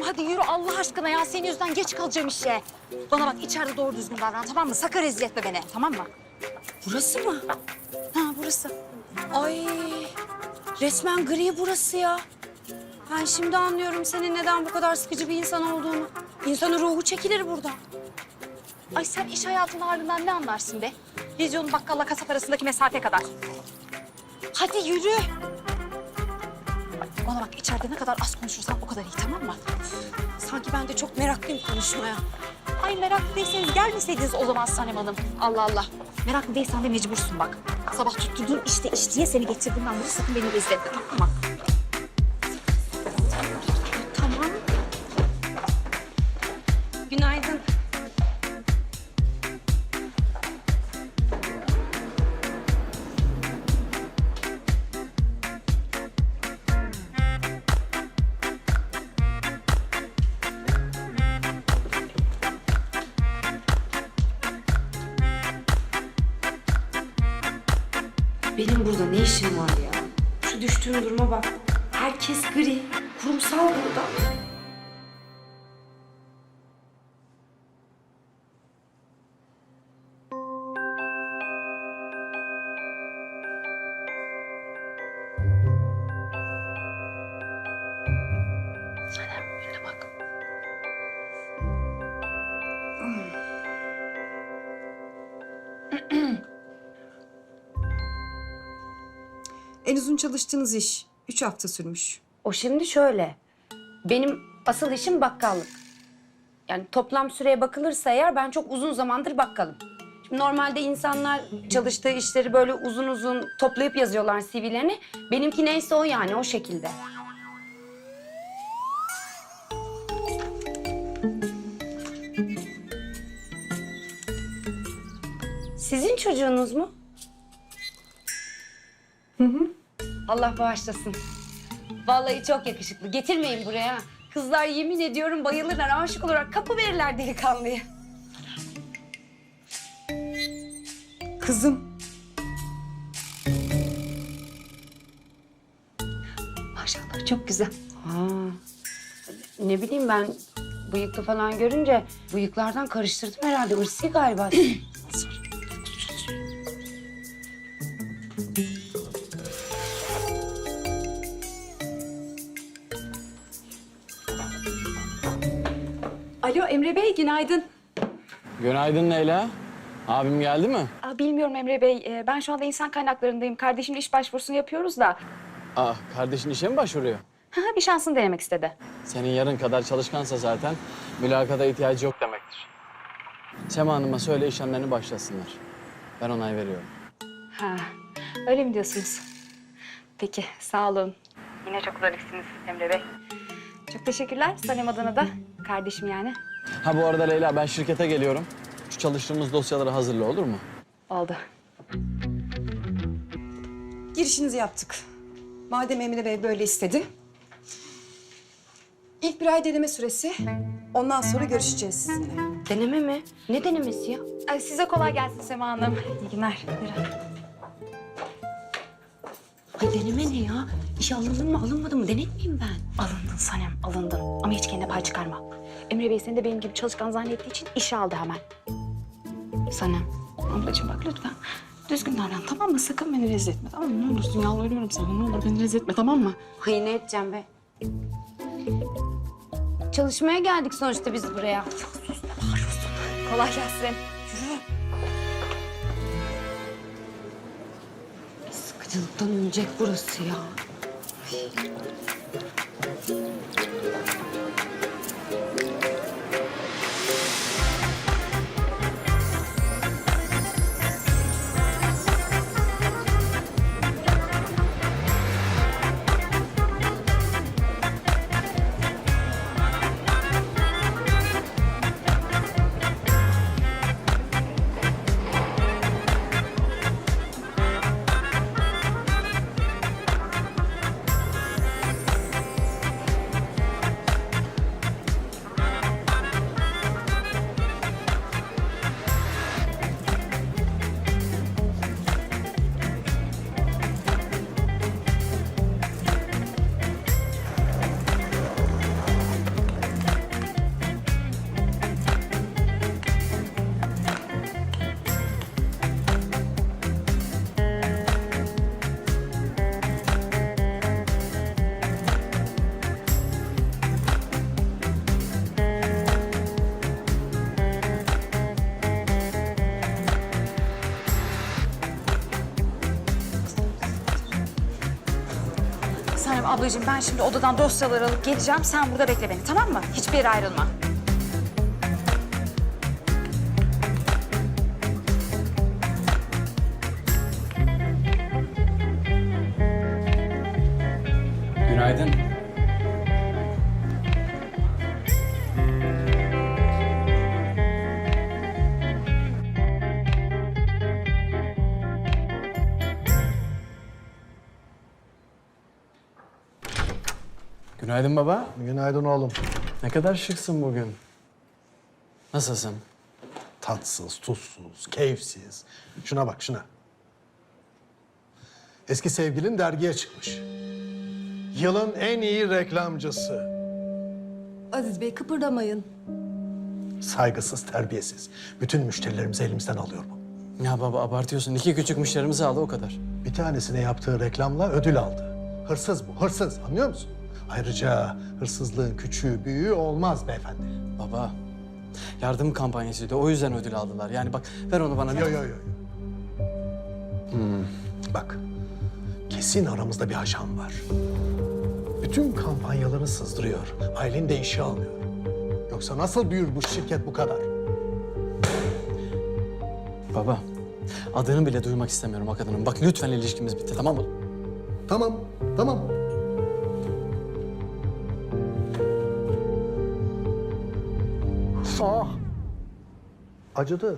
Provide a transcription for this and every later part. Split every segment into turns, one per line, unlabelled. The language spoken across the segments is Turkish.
hadi yürü Allah aşkına ya. Senin yüzünden geç kalacağım işe. Bana bak içeride doğru düzgün davran tamam mı? Sakın rezil etme beni tamam mı?
Burası mı?
Ha burası.
Ay resmen gri burası ya. Ben şimdi anlıyorum senin neden bu kadar sıkıcı bir insan olduğunu. İnsanın ruhu çekilir burada.
Ay sen iş hayatının halinden ne anlarsın be? Vizyonun bakkalla kasap arasındaki mesafe kadar. Hadi yürü. Bana bak içeride ne kadar az konuşursan o kadar iyi tamam mı?
Sanki ben de çok meraklıyım konuşmaya.
Ay meraklı değilseniz gelmeseydiniz o zaman Sanem Hanım. Allah Allah. Meraklı değilsen de mecbursun bak. Sabah tutturduğun işte iş diye seni getirdim ben bunu. Sakın beni rezil etme tamam mı?
Tamam. Günaydın. Benim burada ne işim var ya? Şu düştüğüm duruma bak. Herkes gri, kurumsal burada.
Sanem önüne bak.
En uzun çalıştığınız iş 3 hafta sürmüş.
O şimdi şöyle. Benim asıl işim bakkallık. Yani toplam süreye bakılırsa eğer ben çok uzun zamandır bakkalım. Şimdi normalde insanlar çalıştığı işleri böyle uzun uzun toplayıp yazıyorlar CV'lerini. Benimki neyse o yani o şekilde. Sizin çocuğunuz mu? Allah bağışlasın. Vallahi çok yakışıklı. Getirmeyin buraya. Kızlar yemin ediyorum bayılırlar. Aşık olarak kapı verirler delikanlıya.
Kızım.
Maşallah çok güzel. Ne bileyim ben bıyıklı falan görünce bıyıklardan karıştırdım herhalde. Irsi galiba.
Alo Emre Bey günaydın.
Günaydın Leyla. Abim geldi mi?
Bilmiyorum Emre Bey. Ben şu anda insan kaynaklarındayım. Kardeşimle iş başvurusunu yapıyoruz da.
Kardeşin işe mi başvuruyor?
Bir şansını denemek istedi.
Senin yarın kadar çalışkansa zaten mülakata ihtiyacı yok demektir. Sema Hanım'a söyle işlemlerini başlasınlar. Ben onay veriyorum.
Öyle mi diyorsunuz? Peki sağ olun. Yine çok zarifsiniz Emre Bey. Çok teşekkürler Sanem adına da. Kardeşim yani.
Bu arada Leyla ben şirkete geliyorum. Şu çalıştığımız dosyaları hazırla olur mu?
Oldu.
Girişinizi yaptık. Madem Emine Bey böyle istedi. İlk bir ay deneme süresi. Ondan sonra görüşeceğiz sizinle.
Deneme mi? Ne denemesi ya?
Size kolay gelsin Sema Hanım. İyi günler. Buyurun.
Ay deneme ne ya? İşe alındın mı alınmadı mı denetmeyeyim ben.
Alındın Sanem, alındın. Ama hiç kendine pay çıkarma. Emre Bey seni de benim gibi çalışkan zannettiği için işe aldı hemen.
Sanem.
Ablacığım bak lütfen. Düzgün davran tamam mı? Sakın beni rezil etme tamam mı? Ne olursun yalvarıyorum sana. Ne olur beni rezil etme tamam mı?
Ay ne edeceğim be? Çalışmaya geldik sonuçta biz buraya.
Kolay gelsin.
Sıkıcılıktan ölecek burası ya.
Sanem ablacığım ben şimdi odadan dosyaları alıp geleceğim. Sen burada bekle beni, tamam mı? Hiçbir yere ayrılma.
Günaydın. Günaydın baba.
Günaydın oğlum.
Ne kadar şıksın bugün. Nasılsın?
Tatsız, tuzsuz, keyifsiz. Şuna bak, şuna. Eski sevgilin dergiye çıkmış. Yılın en iyi reklamcısı.
Aziz Bey kıpırdamayın.
Saygısız, terbiyesiz. Bütün müşterilerimizi elimizden alıyor bu.
Ya baba abartıyorsun. 2 küçük müşterimizi aldı o kadar.
Bir tanesine yaptığı reklamla ödül aldı. Hırsız bu, hırsız. Anlıyor musun? Ayrıca hırsızlığın küçüğü, büyüğü olmaz beyefendi.
Baba yardım kampanyasıydı. O yüzden ödül aldılar. Yani bak ver onu bana.
Yo. Bak, kesin aramızda bir ajan var. Bütün kampanyaları sızdırıyor. Aylin de işe alıyor. Yoksa nasıl büyür bu şirket bu kadar?
Baba adını bile duymak istemiyorum o kadının. Bak lütfen ilişkimiz bitti tamam mı?
Tamam. Ah! Acıdı.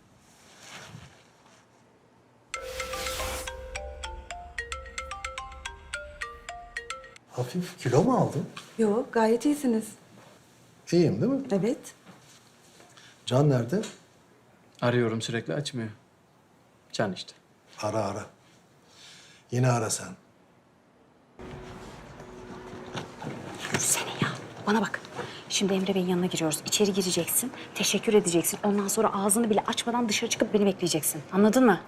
Hafif kilo mu aldın?
Yok gayet iyisiniz.
İyiyim değil mi?
Evet.
Can nerede?
Arıyorum sürekli açmıyor. Can işte.
Ara. Yine ara sen.
Yürüsene ya. Bana bak. Şimdi Emre Bey'in yanına giriyoruz. İçeri gireceksin, teşekkür edeceksin. Ondan sonra ağzını bile açmadan dışarı çıkıp beni bekleyeceksin. Anladın mı?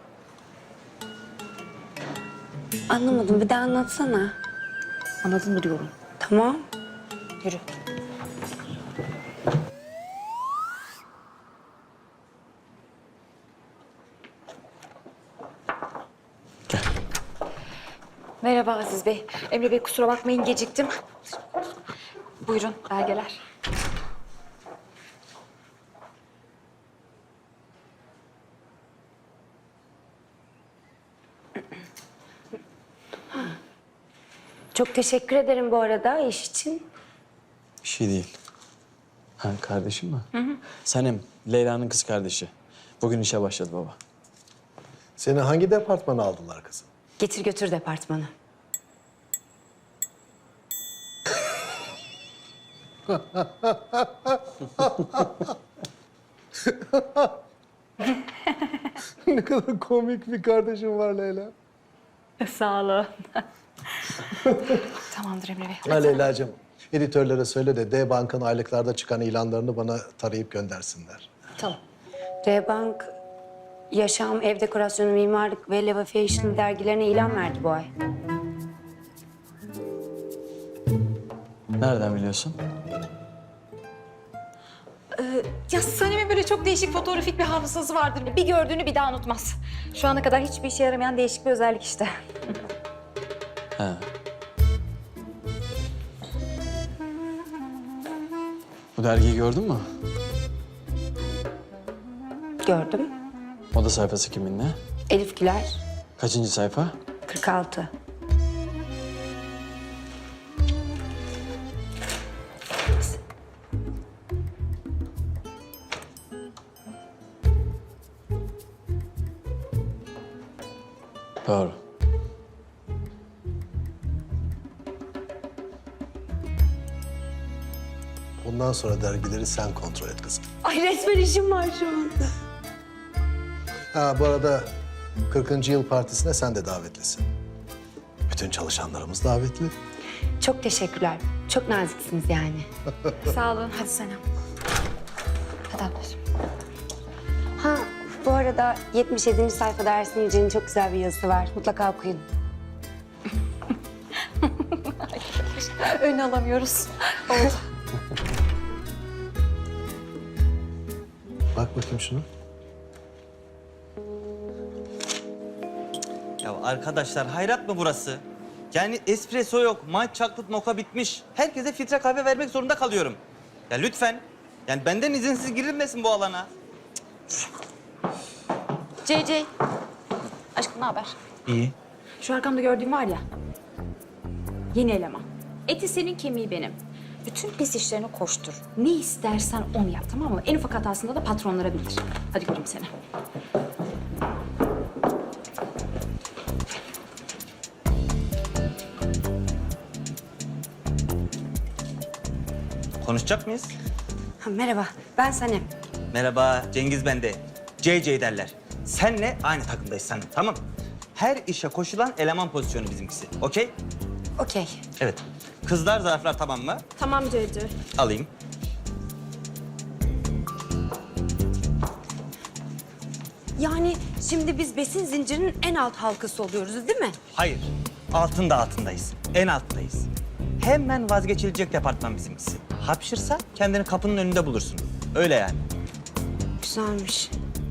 Anlamadım, bir daha anlatsana.
Anladın mı diyorum.
Tamam.
Yürü.
Gel.
Merhaba Aziz Bey. Emre Bey kusura bakmayın geciktim. Buyurun belgeler.
Çok teşekkür ederim bu arada iş için.
Bir şey değil. Ha kardeşim mi? Sanem, Leyla'nın kız kardeşi. Bugün işe başladı baba.
Seni hangi departmana aldılar kızım?
Getir götür departmanı.
Ne kadar komik bir kardeşim var Leyla.
Sağ olun. Tamamdır Emre Bey.
Ha Leyla'cığım, editörlere söyle de D-Bank'ın aylıklarda çıkan ilanlarını bana tarayıp göndersinler.
Tamam. R-Bank, Yaşam, Ev Dekorasyonu, Mimarlık ve Leva Fashion dergilerine ilan verdi bu ay.
Nereden biliyorsun?
Ya Sanem'in böyle çok değişik fotoğrafik bir hafızası vardır. Bir gördüğünü bir daha unutmaz. Şu ana kadar hiçbir işe yaramayan değişik bir özellik işte.
He. Bu dergiyi gördün mü?
Gördüm.
Oda sayfası kiminle?
Elif Güler,
Kaçıncı sayfa?
46.
Doğru.
Bundan sonra dergileri sen kontrol et kızım.
Ay resmen işim var şu anda.
Ha bu arada 40. yıl partisine sen de davetlisin. Bütün çalışanlarımız davetli.
Çok teşekkürler. Çok naziksiniz yani.
Sağ olun. Hadi Sanem. Hadi ablacığım.
Ha bu arada 77. sayfada Ersin Yücel'in çok güzel bir yazısı var. Mutlaka okuyun.
Önü alamıyoruz. Oldu.
Bak bakayım şunu.
Ya arkadaşlar hayrat mı burası? Yani espresso yok, my chocolate mocha bitmiş. Herkese filtre kahve vermek zorunda kalıyorum. Ya lütfen. Yani benden izinsiz girilmesin bu alana.
CC. Aşkım ne haber?
İyi.
Şu arkamda gördüğüm var ya. Yeni eleman. Eti senin, kemiği benim. Bütün pis işlerini koştur. Ne istersen onu yap, tamam mı? En ufak hatasında da patronlara bildir. Hadi göreyim seni.
Konuşacak mıyız?
Ha, merhaba, ben Sanem.
Merhaba, Cengiz bende. CC derler. Senle aynı takımdayız sen, tamam mı? Her işe koşulan eleman pozisyonu bizimkisi. Okey?
Okey.
Evet. Kızlar, zarflar tamam mı?
Tamam Cece.
Alayım.
Yani şimdi biz besin zincirinin en alt halkası oluyoruz değil mi?
Hayır. Altındayız. En alttayız. Hemen vazgeçilecek departman bizimkisi. Hapşırsa kendini kapının önünde bulursun. Öyle yani.
Güzelmiş.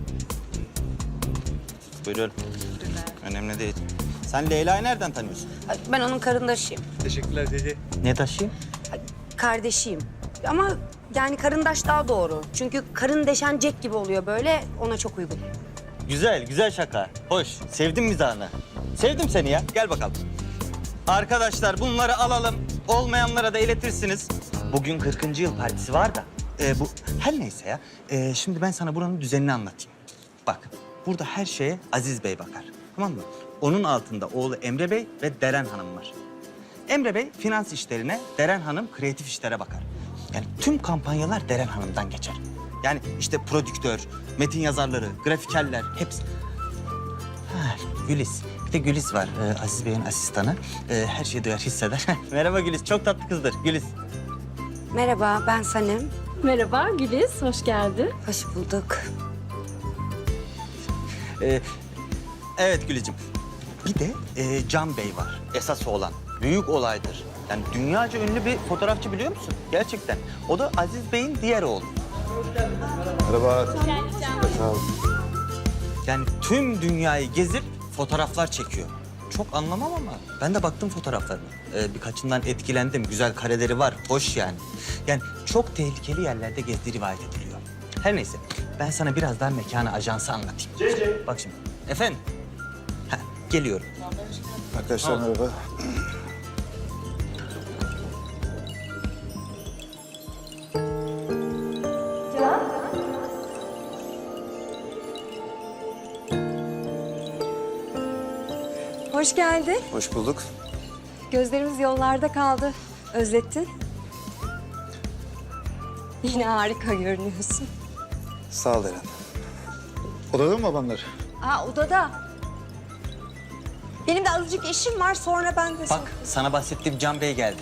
Buyurun. Önemli değil. Sen Leyla'yı nereden tanıyorsun?
Ay, ben onun karındaşıyım.
Ne taşıyayım?
Ay, kardeşiyim. Ama yani karındaş daha doğru. Çünkü karın deşen Jack gibi oluyor böyle, ona çok uygun.
Güzel şaka. Hoş. Sevdim mizahını. Sevdim seni ya. Gel bakalım. Arkadaşlar bunları alalım. Olmayanlara da iletirsiniz. Bugün 40. yıl partisi var da. Bu her neyse ya. Şimdi ben sana buranın düzenini anlatayım. Bak, burada her şeye Aziz Bey bakar. Tamam mı? Onun altında oğlu Emre Bey ve Deren Hanım var. Emre Bey finans işlerine, Deren Hanım kreatif işlere bakar. Yani tüm kampanyalar Deren Hanım'dan geçer. Yani işte prodüktör, metin yazarları, grafikerler hepsi. Ha, Gülis. Bir de Gülis var, Aziz Bey'in asistanı. Her şeyi duyar, hisseder. Merhaba Gülis, çok tatlı kızdır Gülis.
Merhaba, ben Sanem.
Merhaba Güliz, hoş geldin.
Hoş bulduk.
Evet Gülizciğim. Bir de Can Bey var, esas olan. Büyük olaydır. Yani dünyaca ünlü bir fotoğrafçı biliyor musun? Gerçekten. O da Aziz Bey'in diğer oğlu.
Merhaba.
Yani tüm dünyayı gezip fotoğraflar çekiyor. Çok anlamam ama ben de baktım fotoğraflarına. Birkaçından etkilendim. Güzel kareleri var, hoş yani. Yani çok tehlikeli yerlerde gezdiği rivayet ediliyor. Her neyse, ben sana birazdan mekanı, ajansı anlatayım. Bak şimdi, efendim? Heh, geliyorum.
Arkadaşlar merhaba.
Hoş geldin.
Hoş bulduk.
Gözlerimiz yollarda kaldı. Özlettin. Yine harika görünüyorsun.
Sağ ol Eren. Odada mı babamlar?
Aa, odada. Benim de azıcık işim var, sonra ben de...
Bak, sana bahsettiğim Can Bey geldi.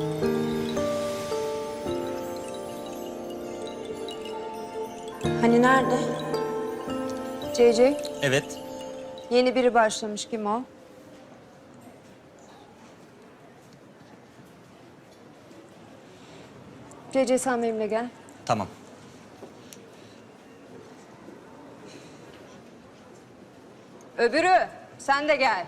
Hani nerede?
CC,
Evet.
yeni biri başlamış. Kim o? CC, sen benimle gel.
Tamam.
Öbürü, sen de gel.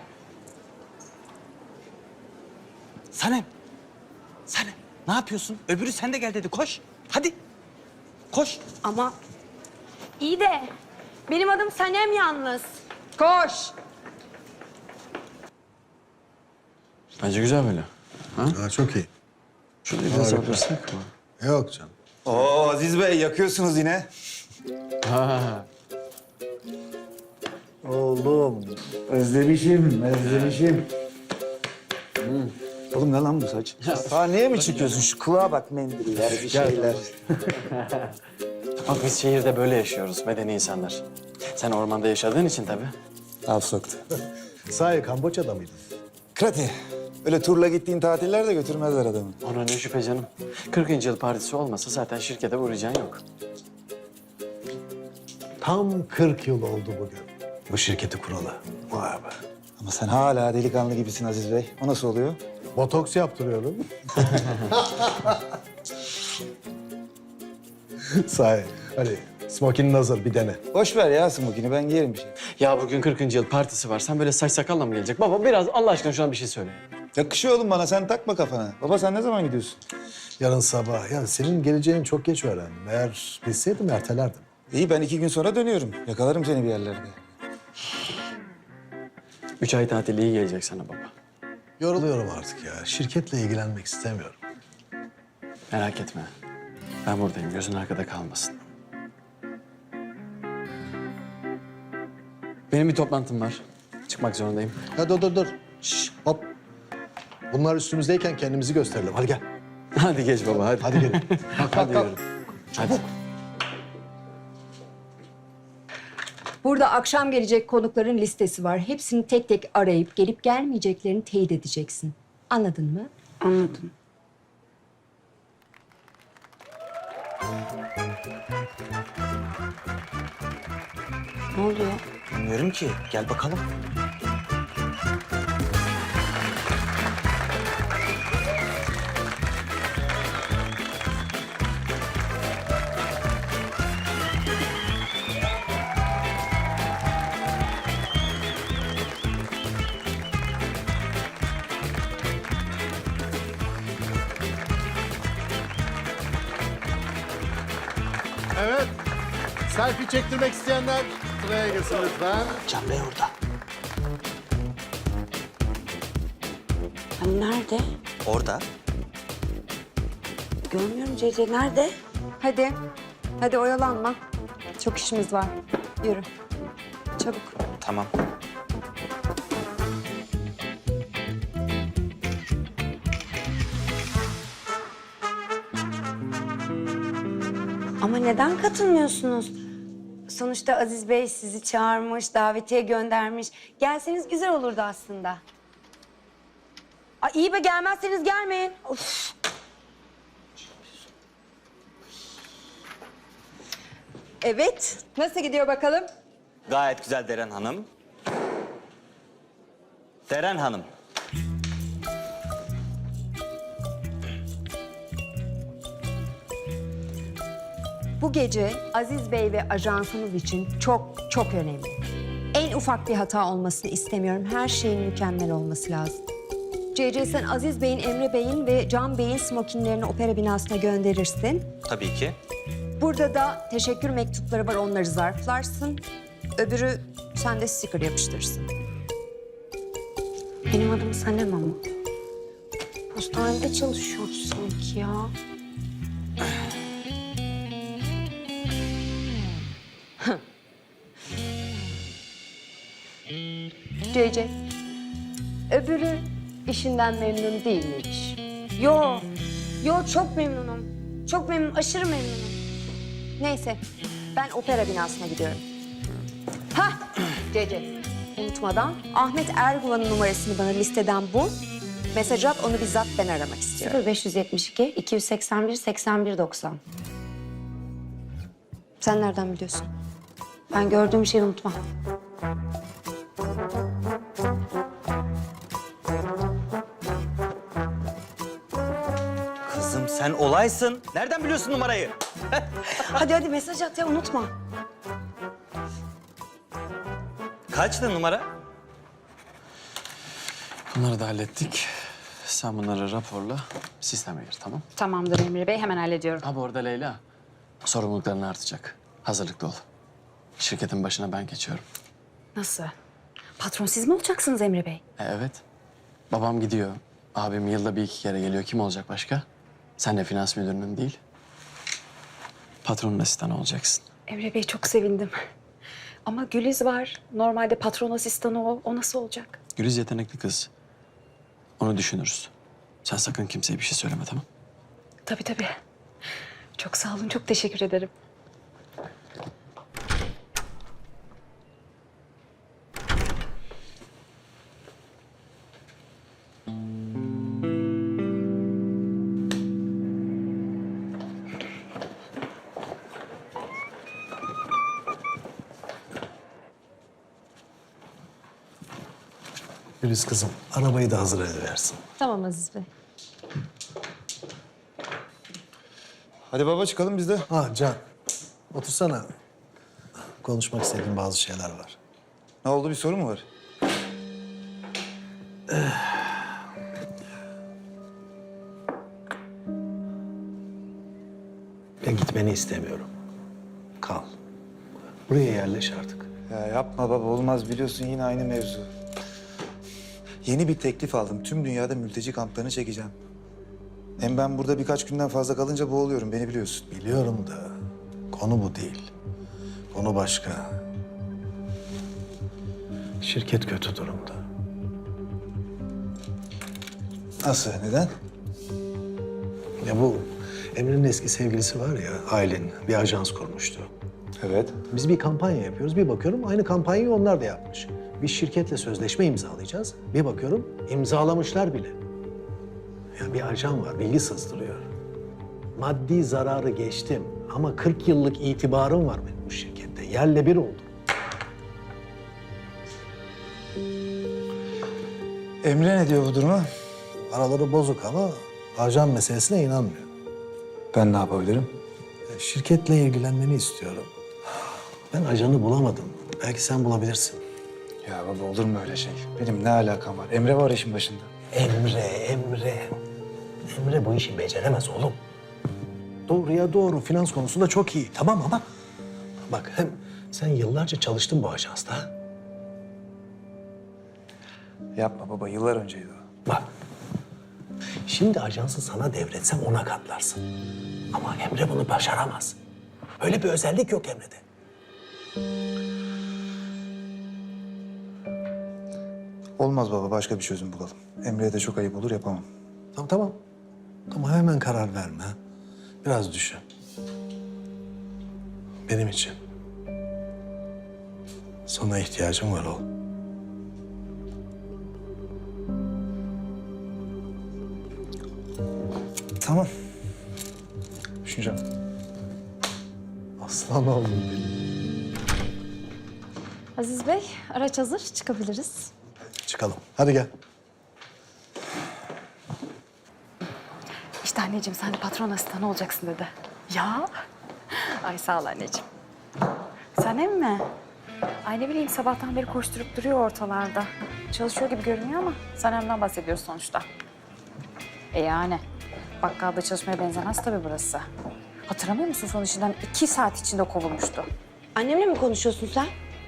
Sanem. Ne yapıyorsun? Öbürü sen de gel dedi. Koş. Hadi. Koş.
Ama iyi de benim adım Sanem yalnız.
Koş.
Bence güzel böyle.
Ha, çok iyi.
Şurayı biraz yapırsak mı?
Yok canım.
Oo Aziz Bey yakıyorsunuz yine.
Ha.
Oğlum özlemişim. Oğlum ne lan bu saç? Sahneye mi çıkıyorsun? Şu kulağa bak mendiller, bir şeyler.
Bak biz şehirde böyle yaşıyoruz, medeni insanlar. Sen ormanda yaşadığın için tabii.
Al soktu.
Sahi Kamboçya'da mıydın?
Krati. Öyle turla gittiğin tatillerde götürmezler adamı.
Ona ne şüphe canım. 40. yıl partisi olmasa zaten şirkete uğrayacağın yok.
Tam 40 yıl oldu bugün. Bu şirketi kuralı. Vay be.
Ama sen hala delikanlı gibisin Aziz Bey. O nasıl oluyor?
Botoks yaptırıyorum. Sahi. Hadi smokinin hazır, bir dene.
Boş ver ya smokini, ben giyerim bir şey.
Ya bugün 40. yıl partisi var. Sen böyle saç sakalla mı gelecek? Baba biraz Allah aşkına şuna bir şey söyle.
Yakışıyor oğlum bana, sen takma kafana. Baba sen ne zaman gidiyorsun?
Yarın sabah. Ya senin geleceğini çok geç öğrendim. Eğer bilseydim ertelerdim.
İyi, ben 2 gün sonra dönüyorum. Yakalarım seni bir yerlerde.
3 ay tatil iyi gelecek sana baba.
Yoruluyorum artık ya. Şirketle ilgilenmek istemiyorum.
Merak etme. Ben buradayım. Gözün arkada kalmasın. Benim bir toplantım var. Çıkmak zorundayım.
Ya dur. Şş, hop. Bunlar üstümüzdeyken kendimizi gösterelim. Hadi gel.
Hadi geç baba hadi.
Hadi gelin.
Hadi yürü. Hadi.
Burada akşam gelecek konukların listesi var. Hepsini tek tek arayıp gelip gelmeyeceklerini teyit edeceksin. Anladın mı?
Anladım. Ne oluyor?
Bilmiyorum ki. Gel bakalım.
Evet. Selfie çektirmek isteyenler sıraya girsin lütfen.
Can Bey orada.
Hani nerede?
Orada.
Görmüyorum Cece. Nerede?
Hadi. Hadi oyalanma. Çok işimiz var. Yürü. Çabuk.
Tamam.
Ama neden katılmıyorsunuz? Sonuçta Aziz Bey sizi çağırmış, davetiye göndermiş. Gelseniz güzel olurdu aslında. Ay iyi be, gelmezseniz gelmeyin. Of.
Evet. Nasıl gidiyor bakalım?
Gayet güzel Deren Hanım. Deren Hanım.
Bu gece Aziz Bey ve ajansımız için çok çok önemli. En ufak bir hata olmasını istemiyorum. Her şeyin mükemmel olması lazım. CC sen Aziz Bey'in, Emre Bey'in ve Can Bey'in smokinlerini opera binasına gönderirsin.
Tabii ki.
Burada da teşekkür mektupları var, onları zarflarsın. Öbürü sen de sticker yapıştırırsın.
Benim adım Sanem ama. Postanede çalışıyoruz sanki ya.
CC, öbürü işinden memnun değil miymiş?
Yo çok memnunum. Çok memnun, aşırı memnunum.
Neyse, ben opera binasına gidiyorum. Hah, CC, unutmadan Ahmet Erguvan'ın numarasını bana listeden bul. Mesaj at, onu bizzat ben aramak istiyorum.
0572 281 81 90.
Sen nereden biliyorsun?
Ben gördüğüm şeyi unutmam.
Kızım sen olaysın. Nereden biliyorsun numarayı?
Hadi mesaj at ya, unutma.
Kaçtı numara?
Bunları da hallettik. Sen bunları raporla sisteme gir tamam?
Tamamdır Emre Bey, hemen hallediyorum.
Ha bu arada Leyla, sorumlulukların artacak. Hazırlıklı ol. Şirketin başına ben geçiyorum.
Nasıl? Patron siz mi olacaksınız Emre Bey?
Evet. Babam gidiyor. Abim yılda bir iki kere geliyor. Kim olacak başka? Sen de finans müdürünün değil. Patronun asistanı olacaksın.
Emre Bey çok sevindim. Ama Güliz var. Normalde patron asistanı o. O nasıl olacak?
Güliz yetenekli kız. Onu düşünürüz. Sen sakın kimseye bir şey söyleme tamam?
Tabii tabii. Çok sağ olun, çok teşekkür ederim.
Güliz kızım, arabayı da hazır ediversin.
Tamam Aziz Bey.
Hadi baba çıkalım biz de.
Can, otursana. Konuşmak istediğim bazı şeyler var.
Ne oldu, bir sorun mu var?
Ya gitmeni istemiyorum. Kal. Buraya yerleş artık.
Ya yapma baba olmaz biliyorsun yine aynı mevzu. Yeni bir teklif aldım. Tüm dünyada mülteci kamplarını çekeceğim. Hem ben burada birkaç günden fazla kalınca boğuluyorum beni biliyorsun.
Biliyorum da konu bu değil. Konu başka. Şirket kötü durumda.
Nasıl? Neden?
Ya bu Emre'nin eski sevgilisi var ya, Aylin bir ajans kurmuştu.
Evet.
Biz bir kampanya yapıyoruz. Bir bakıyorum aynı kampanyayı onlar da yapmış. Bir şirketle sözleşme imzalayacağız. Bir bakıyorum imzalamışlar bile. Ya bir ajan var, bilgi sızdırıyor. Maddi zararı geçtim ama 40 yıllık itibarım var benim bu şirkette. Yerle bir oldum.
Emre ne diyor bu duruma?
Araları bozuk ama ajan meselesine inanmıyor.
Ben ne yapabilirim?
Şirketle ilgilenmeni istiyorum. Ben ajanı bulamadım. Belki sen bulabilirsin.
Ya baba olur mu öyle şey? Benim ne alakam var? Emre var işin başında.
Emre bu işi beceremez oğlum. Doğruya doğru finans konusunda çok iyi. Tamam ama bak hem sen yıllarca çalıştın bu ajansta.
Yapma baba yıllar önceydi o.
Bak şimdi ajansı sana devretsem ona katlarsın. Ama Emre bunu başaramaz. Öyle bir özellik yok Emre'de.
Olmaz baba başka bir çözüm bulalım. Emre'ye de çok ayıp olur yapamam.
Tamam. Ama hemen karar verme. Biraz düşün. Benim için. Sana ihtiyacım var oğlum.
Tamam. Düşüneceğim.
Aslan oğlum benim.
Aziz Bey, araç hazır. Çıkabiliriz.
Çıkalım. Hadi gel.
İşte anneciğim sen de patron asistanı olacaksın dedi. Ya. Ay sağ ol anneciğim. Sanem mi? Ay ne bileyim sabahtan beri koşturup duruyor ortalarda. Çalışıyor gibi görünüyor ama Sanem'den bahsediyoruz sonuçta. Yani bakkalda çalışmaya benzemez tabii burası. Hatırlamıyor musun son işinden 2 saat içinde kovulmuştu.
Annemle mi konuşuyorsun sen?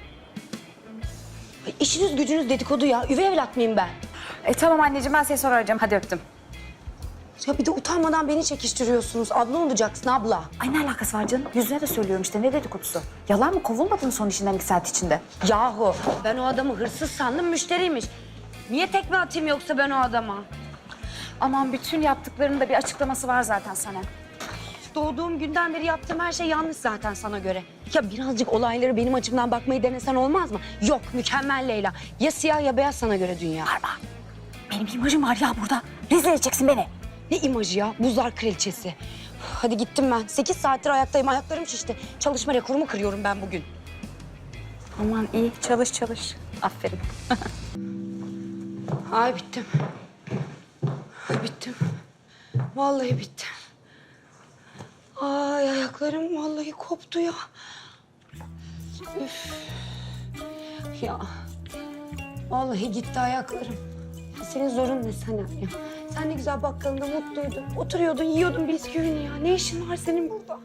Ay, İşiniz gücünüz dedikodu ya. Üvey evlat mıyım ben?
Tamam anneciğim ben seni sonra arayacağım. Hadi öptüm.
Ya bir de utanmadan beni çekiştiriyorsunuz. Abla olacaksın abla.
Ay ne alakası var canım? Yüzüne de söylüyorum işte ne dedikodusu. Yalan mı kovulmadın mı son işinden 2 saat içinde?
Yahu ben o adamı hırsız sandım müşteriymiş. Niye tekme atayım yoksa ben o adama?
Aman bütün yaptıklarının da bir açıklaması var zaten sana.
Doğduğum günden beri yaptığım her şey yanlış zaten sana göre. Ya birazcık olayları benim açımdan bakmayı denesen olmaz mı? Yok mükemmel Leyla. Ya siyah ya beyaz sana göre dünya.
Benim imajım var ya burada. Rezil edeceksin beni.
Ne imajı ya? Buzlar kraliçesi. Hadi gittim ben. 8 saattir ayaktayım. Ayaklarım şişti. Çalışma rekorumu kırıyorum ben bugün.
Aman iyi çalış. Aferin.
Ay bittim. Ay bittim. Vallahi bittim. Ay ayaklarım vallahi koptu ya. Üf. Ya. Vallahi gitti ayaklarım. Senin zorun ne Sanem ya? Sen ne güzel bakkalında mutluydun. Oturuyordun, yiyordun bisküvini ya. Ne işin var senin burada?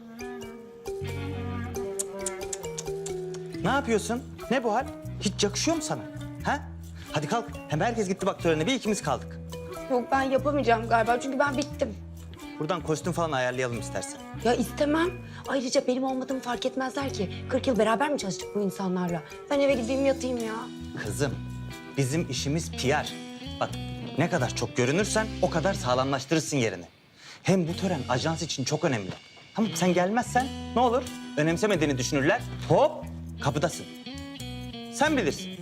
Ne yapıyorsun? Ne bu hal? Hiç yakışıyor mu sana? Ha? Hadi kalk. Hem herkes gitti bak törene. Bir ikimiz kaldık.
Yok ben yapamayacağım galiba çünkü ben bittim.
Buradan kostüm falan ayarlayalım istersen.
Ya istemem. Ayrıca benim olmadığımı fark etmezler ki. 40 yıl beraber mi çalıştık bu insanlarla? Ben eve gideyim yatayım ya.
Kızım, bizim işimiz PR. Bak ne kadar çok görünürsen o kadar sağlamlaştırırsın yerini. Hem bu tören ajans için çok önemli. Tamam sen gelmezsen ne olur? Önemsemediğini düşünürler. Hop kapıdasın. Sen bilirsin.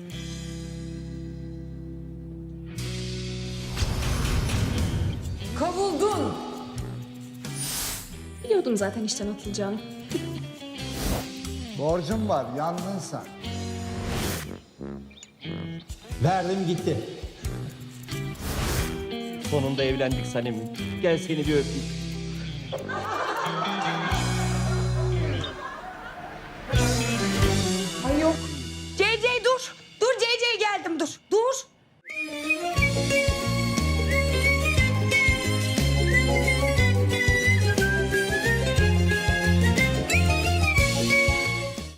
Kovuldun.
Biliyordum zaten işten atılacağını.
Borcum var, yandın sen. Verdim gitti.
Sonunda evlendik Sanem'im. Gel seni bir öpeyim.